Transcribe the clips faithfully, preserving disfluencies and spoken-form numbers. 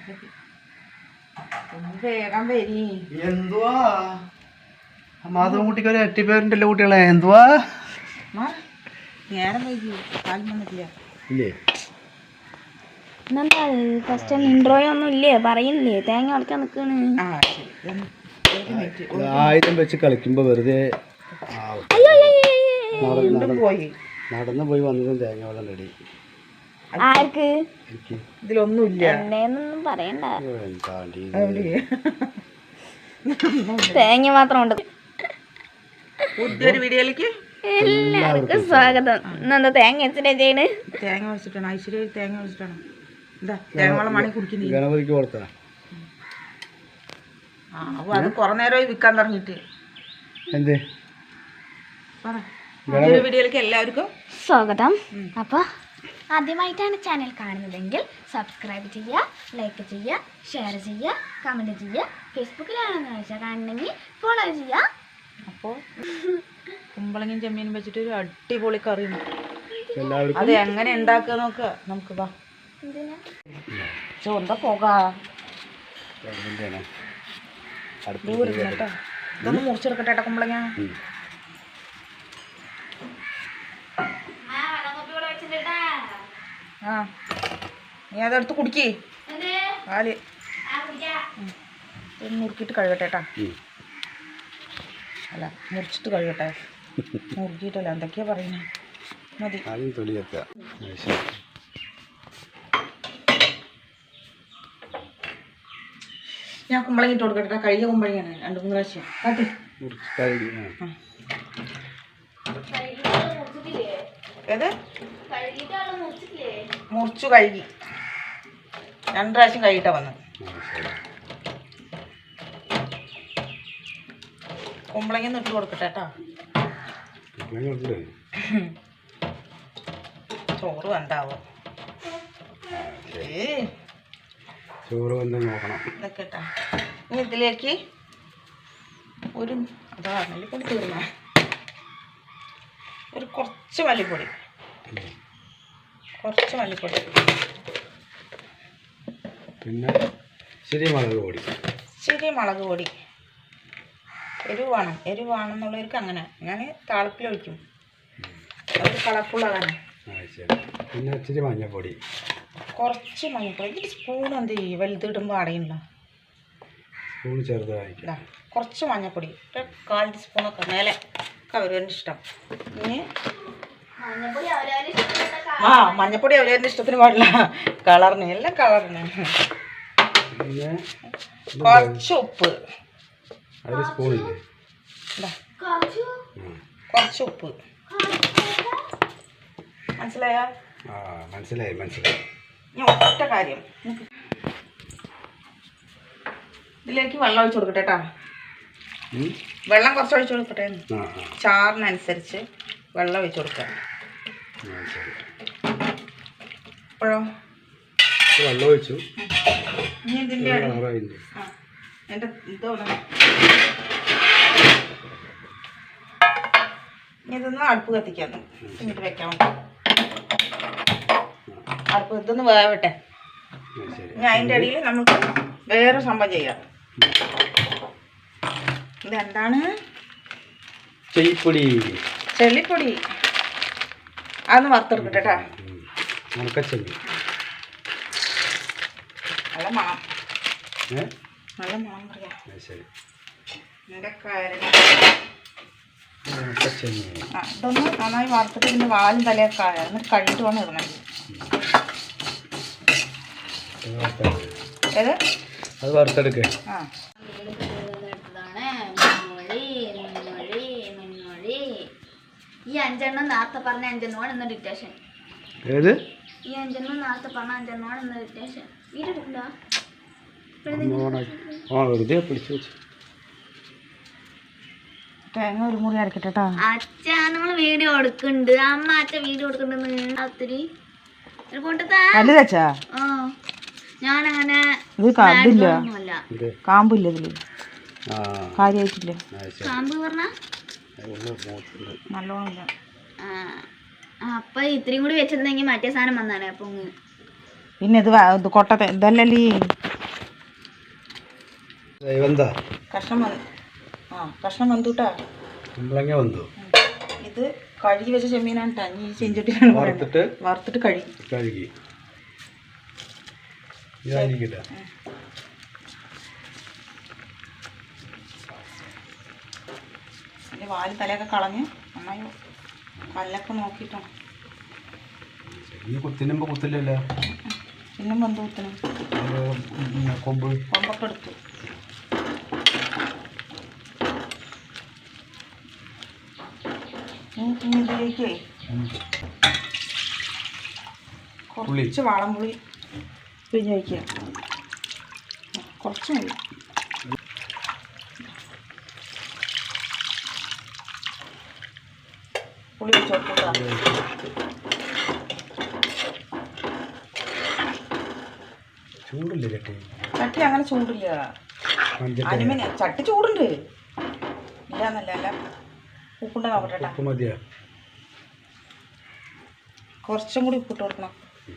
വേഗം വരി. എന്തുവാ മാധവൻകുട്ടിക്ക് ഒരു എട്ടിപ്പേരുണ്ടല്ലോ കുട്ടികളെ. എന്തുവാ നേരം വൈകി കാലം വന്നിട്ടില്ല ഇല്ലേ? ഇന്നെന്താ ഫസ്റ്റ് ഇൻട്രോയോ ഒന്നും ഇല്ലേ? പറയുന്നില്ലേ? തേങ്ങ ഉടക്കാൻ നിൽക്കണ്. ആയുധം വെച്ച് കളിക്കുമ്പോ വെറുതെ പോയി നടന്നു പോയി വന്നതും തേങ്ങ വെള്ളം റെഡി. ആർക്ക്? ഇതിലൊന്നുമില്ല. എണ്ണയൊന്നും പറയണ്ട, തേങ്ങ മാത്രം ഉണ്ട്. പുതിയൊരു വീഡിയോയിലേക്ക് എല്ലാവർക്കും സ്വാഗതം. ഇന്നെന്താ തേങ്ങ വെച്ചിട്ടാ ചെയ്യണ്? തേങ്ങ വെച്ചിട്ടാണ് ഐശ്വര്യ തേങ്ങ വെച്ചിട്ടാണ്. എന്താ തേങ്ങ വെള്ളം മണി കുടിക്കുന്നത് ഗണപതിക്ക് കൊടുത്താ. ആ അപ്പൊ അത് കുറെ നേരമായി വിൽക്കാൻ തുടങ്ങിയിട്ട്. എന്തേ പുതിയൊരു വീഡിയോയിലേക്ക് എല്ലാവർക്കും സ്വാഗതം. അപ്പോൾ ആദ്യമായിട്ടാണ് ചാനൽ കാണുന്നതെങ്കിൽ സബ്സ്ക്രൈബ് ചെയ്യുക, ലൈക്ക് ചെയ്യുക, ഷെയർ ചെയ്യുക, കമൻറ്റ് ചെയ്യുക. ഫേസ്ബുക്കിലാണെന്ന് വെച്ചാൽ കാണണമെങ്കിൽ ഫോളോ ചെയ്യുക. അപ്പോൾ കുമ്പളങ്ങയും ചെമ്മീനും വെച്ചിട്ട് ഒരു അടിപൊളി കറി എല്ലാവർക്കും അത് എങ്ങനെ ഉണ്ടാക്കുക നോക്കുക നമുക്ക്. വാ ചോന്താ പോകാം. ഇതൊന്ന് മുറിച്ചെടുക്കട്ടെ ഏട്ടാ കുമ്പളങ്ങ. ആ നീ അതെടുത്ത് കുടിക്കേ പാല്. ഇത് മുറുക്കിയിട്ട് കഴുകട്ടെ ഏട്ടാ. അല്ല മുറിച്ചിട്ട് കഴുകട്ടെ, മുറുക്കിയിട്ടല്ല. എന്തൊക്കെയാ പറയുന്നത്? മതി. ഞാൻ കുമ്പളങ്ങ ഇട്ട് കൊടുക്കട്ടെ. കഴുകിയ കുമ്പളങ്ങയാണ് രണ്ട് മൂന്ന് പ്രാവശ്യം കാട്ടി. ഏത് മുറിച്ചു കഴുകി രണ്ട് പ്രാവശ്യം കഴുകിട്ടാ വന്നത്. കുമ്പളങ്ങ ഇട്ട് കൊടുക്കട്ടെ കേട്ടോ. ചോറ് എന്താവോ ചോറ് വന്ന് നോക്കണം ഇതൊക്കെ കേട്ടാ. ഇനി ഇതിലേക്ക് ഒരു അതാ മല്ലിപ്പൊടി തീർന്ന ഒരു കുറച്ച് മല്ലിപ്പൊടി കുറച്ച് മല്ലിപ്പൊടി പിന്നെ ശരി മുളക് പൊടി ശരി മുളക് പൊടി. എരിവ് വേണം, എരിവ് വേണമെന്നുള്ളവർക്ക് അങ്ങനെ. ഞാൻ താളിപ്പിൽ ഒഴിക്കും, അതൊരു കളർഫുള്ളാകാനാണ്. പിന്നെ ഇച്ചിരി മഞ്ഞൾപ്പൊടി, കുറച്ച് മഞ്ഞൾപ്പൊടി. ഈ സ്പൂൺ എന്ത് ചെയ്യും വലുതിടുമ്പോൾ അടയില്ല. സ്പൂൺ ചെറുതായി കുറച്ച് മഞ്ഞൾപ്പൊടി ഒരു കാൽ ടീസ്പൂണൊക്കെ മേലെ ഒക്കെ അവരവൻ്റെ ഇഷ്ടം. ഇനി ആ മഞ്ഞൾപ്പൊടി അവരവൻ്റെ ഇഷ്ടത്തിന് പാടില്ല, കളറിന് എല്ലാം കളറിന്. പിന്നെ കുറച്ച് ഉപ്പ്, ഒരു സ്പൂണില്ലേ? കുറച്ച് ഉപ്പ്. മനസ്സിലായോ? ആ മനസ്സിലായി മനസ്സിലായി. ഞാൻ ഒറ്റ കാര്യം, ഇതിലേക്ക് വെള്ളം ഒഴിച്ച് കൊടുക്കട്ടെ കേട്ടോ. വെള്ളം കുറച്ച് ഒഴിച്ച് കൊടുക്കട്ടെ. ചാറിനനുസരിച്ച് വെള്ളം ഒഴിച്ച് കൊടുക്കാം. അപ്പോഴോ വെള്ളം ഒഴിച്ചു. ഇനി ഇതിൻ്റെ എൻ്റെ ഇതോടെ ഇതൊന്ന് അടുപ്പ് കത്തിക്കാൻ എന്നിട്ട് വെക്കാൻ വേണ്ടി. അടുപ്പ് ഇതൊന്ന് വേവട്ടെ. ഇനി അതിൻ്റെ ഇടയിൽ നമുക്ക് വേറെ സംഭവം ചെയ്യാം. ഇതെന്താണ്? ചെളിപ്പൊടി. ചെളിപ്പൊടി അതൊന്ന് വറുത്തെടുക്കട്ടെ കേട്ടോ. നല്ല മണം, നല്ല മണം പറയാം. എൻ്റെ കാര്യം ആ ഇതൊന്ന് നന്നായി വറുത്തിട്ട് ഇതിൻ്റെ വാലും തലയൊക്കെ ആയ എന്നിട്ട് കഴുകിട്ട് വേണം ഇടണം. ഏത് അത് വറുത്തെടുക്ക. ആ ഈ അഞ്ചെണ്ണം നേരത്തെ പറഞ്ഞ അഞ്ചെണ്ണമാണ് ഇന്ന് ഡിറ്റേഷൻ. ഏത് ഈ അഞ്ചെണ്ണം നേരത്തെ പറഞ്ഞ അഞ്ചെണ്ണമാണ് ഇന്ന് ഡിറ്റേഷൻ. വീട്ടിലുണ്ടോ? വെറുതെ പിടിച്ചു വെച്ചു. തേങ്ങ ഒരു മുറി അരക്കട്ടെ കേട്ടോ. അച്ഛ നമ്മൾ വീഡിയോ എടുക്കുന്നുണ്ട്, അമ്മ അച്ഛൻ വീഡിയോ എടുക്കുന്നുണ്ടെന്ന് ഒത്തിരി വലുതച്ചാ. ആ ഞാനങ്ങനെ ഇത് കണ്ടില്ല, കാമ്പില്ല ഇതില്, കാര്യമായിട്ടില്ല. കാമ്പ് പറഞ്ഞ നല്ലോണം ഇല്ല. അപ്പൊ ഇത്രയും കൂടി വെച്ചിരുന്നെങ്കിൽ മറ്റേ സാധനം വന്നാണ്. അപ്പൊ പിന്നെ ഇത് ഇത് കൊട്ട ഇതല്ലല്ലേ വെന്താ കഷ്ണം വന്ന് ആ കഷ്ണം വന്നുട്ടാ. കുമ്പളങ്ങ വന്നു. ഇത് കഴുകി വെച്ച ചെമ്മീനാണ് കേട്ടോ. ഈ ചീഞ്ചട്ടിയാണ് വറുത്തിട്ട് വറുത്തിട്ട് കഴുകി കഴുകി ഇതായിരിക്കട്ടെ. അതിൻ്റെ വാല് തലയൊക്കെ കളഞ്ഞ് നന്നായി കല്ലൊക്കെ നോക്കിയിട്ടാണ്. ഈ കുത്തിനുമ്പോ കുത്തില്ലല്ലോ. പിന്നെ വന്ന് കുത്തണം. കൊമ്പ് കൊമ്പൊക്കെ എടുത്തു. ഇനി ഇതിലേക്ക് കുറച്ച് വാളംപുളി പിഴിഞ്ഞ് വയ്ക്കുക. കുറച്ച് മതി. പുളി വെച്ച് കൊടുക്കുക. ചൂടില്ലേ ചട്ടി? ചട്ടി അങ്ങനെ ചൂടില്ല. അലുമിനിയം ചട്ടി ചൂടുണ്ട്. ഇല്ലാന്നല്ല അല്ല. ഉപ്പുണ്ട നോക്കട്ടെ. ഉപ്പ് മതിയാ? കുറച്ചും കൂടി ഉപ്പിട്ട് കൊടുക്കണം.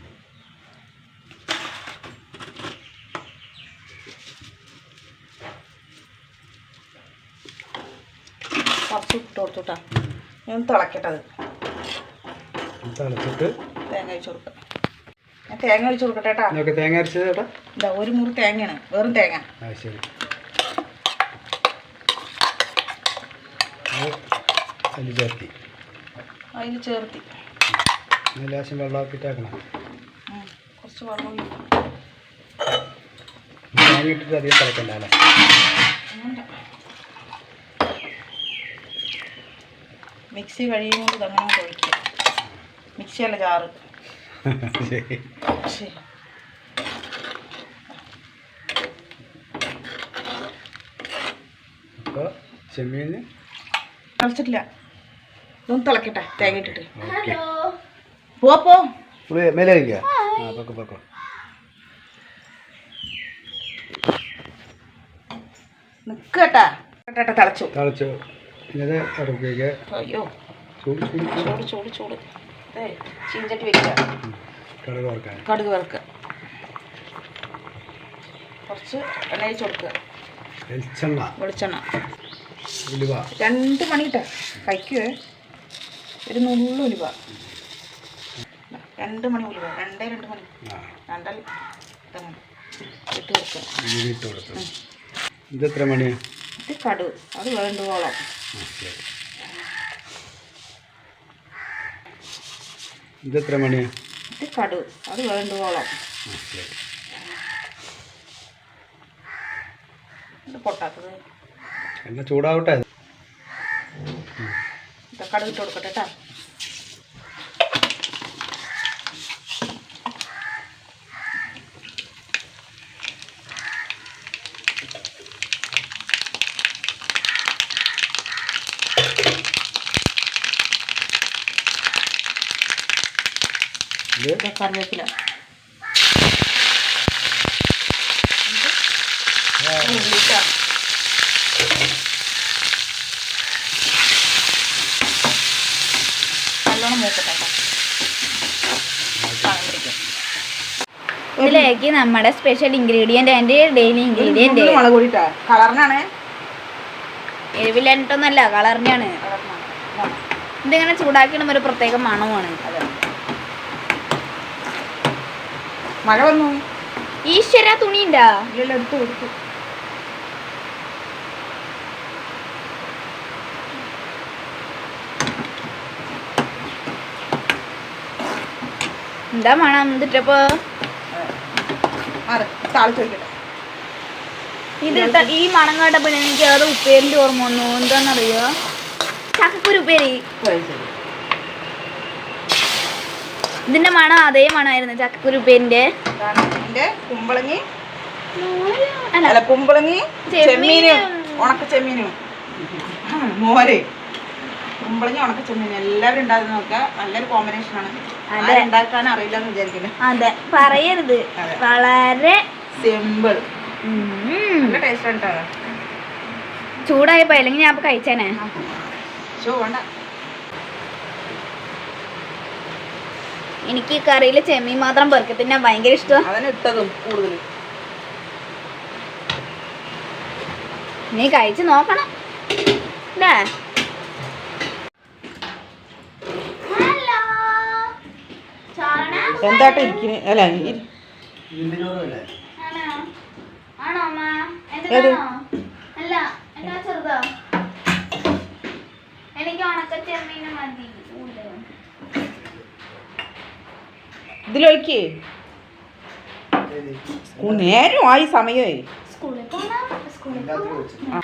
കുറച്ച് ഉപ്പിട്ട് കൊടുത്തുട്ടാ. ഞാൻ തിളക്കട്ടത്. തിളച്ചിട്ട് തേങ്ങ ഒഴിച്ച് കൊടുക്കാം. ഞാൻ തേങ്ങ ഒഴിച്ച് കൊടുക്കട്ടെ കേട്ടാ. തേങ്ങ അരച്ചത് ചേട്ടാ? ഇതാ ഒരു മുറി തേങ്ങയാണ്, വെറും തേങ്ങ. ആ ശരി. അതിൽ ചേർത്തി അതിൽ ചേർത്തി ലേശം വെള്ളമാക്കിയിട്ടാക്കണം. കുറച്ച് വെള്ളം തേങ്ങ ഇട്ടിട്ട് അധികം തിളക്കണ്ട അല്ലേ? മിക്സി കഴിയുമ്പോൾ ഇതങ്ങനെ ഒഴിക്കുക. മിക്സിയല്ല ജാറ്. ശരി. ശരി. അപ്പോൾ ചെമ്മീന് തിളച്ചിട്ടില്ല. ഇതൊന്ന് തിളക്കട്ടെ തേങ്ങ ഇട്ടിട്ട്. ഓക്കെ. പോ പോ മേലെ കഴിക്കുക. ആ പൊക്കോ പൊക്കോ. നിൽക്കട്ടാ. കേട്ടാ തിളച്ചു തിളച്ചു. ഇത് ഇറക്കുക. അയ്യോ ചൂട് ചൂട് ചൂട് ചൂട് ചൂട്. അതെ ചീഞ്ചട്ടി വെക്കുക. കടുക് വറുക്കാൻ. കടുക് വറുക്കുക. കുറച്ച് എണ്ണ ഒഴിച്ച് കൊടുക്കുക. വെളിച്ചെണ്ണ വെളിച്ചെണ്ണ ഉലുവ രണ്ട് മണിയിട്ട കഴിക്കുവേ. ഒരു നുള്ളു ഉലുവ. രണ്ട് മണി ഉലുവ. രണ്ടേ രണ്ട് മണി രണ്ടൽ ഇതങ്ങനെ ഇട്ട് കൊടുക്കുക. ഇട്ട് കൊടുക്കുക. ഇതെത്ര മണിയാണ്? ഇത് കടുക്. അത് വേണ്ടുവോളം. ഇതെത്ര മണിയാണ്? ഇത് കടുക്. അത് വേണ്ടുവോളം. ഇത് പൊട്ടാത്തത് എണ്ണ ചൂടാവട്ടെ. ഇത് കടുക് ഇട്ട് കൊടുക്കട്ടെ കേട്ടോ. ഇത് കറിവേപ്പില. നല്ലോണം മൂക്കട്ടെ. ഇതിലേക്ക് നമ്മുടെ special ingredient and daily ingredient മുളക് പൊടിട്ടാ. കളറിനാണ്. എരിവില്ലാഞ്ഞിട്ടൊന്നല്ല, കളറിനാണ്. ഇതിങ്ങനെ ചൂടാക്കിയിടുമ്പോൾ ഒരു പ്രത്യേക മണമാണ്. അതെ. മഴ വന്നു. ഈശ്വര തുണി ഉണ്ടാ? ഇല്ലല്ലോ, എടുത്തു കൊടുത്തു. എന്താ മണം എന്നിട്ടപ്പോ? താളിച്ച് വയ്ക്കട്ടെ. ഇത് ഈ മണം കേട്ടപ്പോ എനിക്ക് അത് ഉപ്പേരിന്റെ ഓർമ്മ വന്നു. എന്താന്നറിയോ? ചക്കക്കുരു ഉപ്പേരി. ഇതിന്റെ മണം അതേ മണമായിരുന്നു ചക്കക്കുരു ഉപ്പേരിന്റെ. കുമ്പളങ്ങി അല്ല കുമ്പളങ്ങി ചെമ്മീനും ഉണക്ക ചെമ്മീനും മോര്. കുമ്പളങ്ങി ഉണക്ക ചെമ്മീനും എല്ലാവരും ഉണ്ടാക്കി നോക്കുക. നല്ലൊരു കോമ്പിനേഷനാണ്. ഉണ്ടാക്കാൻ അറിയില്ല എന്ന് വിചാരിക്കുന്നത്. അതെ, പറയരുത്. വളരെ സിമ്പിൾ. നല്ല ടേസ്റ്റ് ആണ്. ചൂടായപ്പോ അല്ലെങ്കിൽ ഞാൻ കഴിച്ചേനെ. ഷോ വേണ്ട. എനിക്ക് കറിയിൽ ചെമ്മീൻ മാത്രം പെറുക്കി തിന്നാൻ ഭയങ്കര ഇഷ്ടം. അതിന് ഇട്ടതും കൂടുതൽ നീ കഴിച്ച് നോക്കണം അല്ലേ? ഹലോ ചോറണ എന്താട്ടോ ഇരിക്കുന്നു? അല്ല ഇരി- ആണോ ആണോ അമ്മ? ഏത്? എന്താണോ? അല്ല എന്നാ ചെറുതോ? എനിക്ക് ഉണക്ക ചെമ്മീന് മതി. ഇതിലൊഴിക്കേ. സ്കൂൾ നേരമായി സമയമേ. സ്കൂളിൽ പോണം സ്കൂളിൽ പോണം.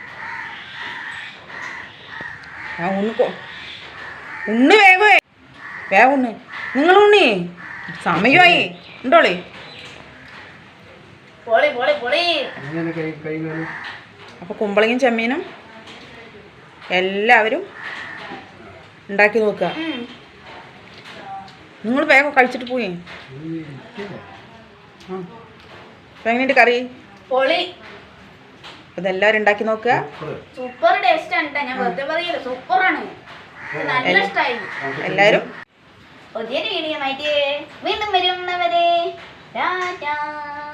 ആ ഉണ്ണ് കൊ- ഉണ്ണ് വേഗമേ വേഗം ഉണ്ണ്. നിങ്ങൾ ഉണ്ണി സമയമായി ഉണ്ടോളേ. പൊളി പൊളി പൊളി. അങ്ങനെ കൈ കൈ കാണും. അപ്പോൾ കുമ്പളങ്ങയും ചെമ്മീനും എല്ലാവരും ഉണ്ടാക്കി നോക്കുക. ഉം. നിങ്ങൾ വേഗം കഴിച്ചിട്ട് പോയി. ആ അപ്പം എങ്ങനെയുണ്ട് കറി? പൊളി. ഇതെല്ലാവരും ഉണ്ടാക്കി നോക്കുക. സൂപ്പർ ടേസ്റ്റ് ആണ് ട്ടോ. ഞാൻ വെറുതെ പറയില്ല, സൂപ്പറാണ്. നല്ല ഇഷ്ടമായി. എല്ലാവരും പുതിയൊരു വീഡിയോ ആയിട്ട് വീണ്ടും വരുന്നവരെ ടാറ്റാ.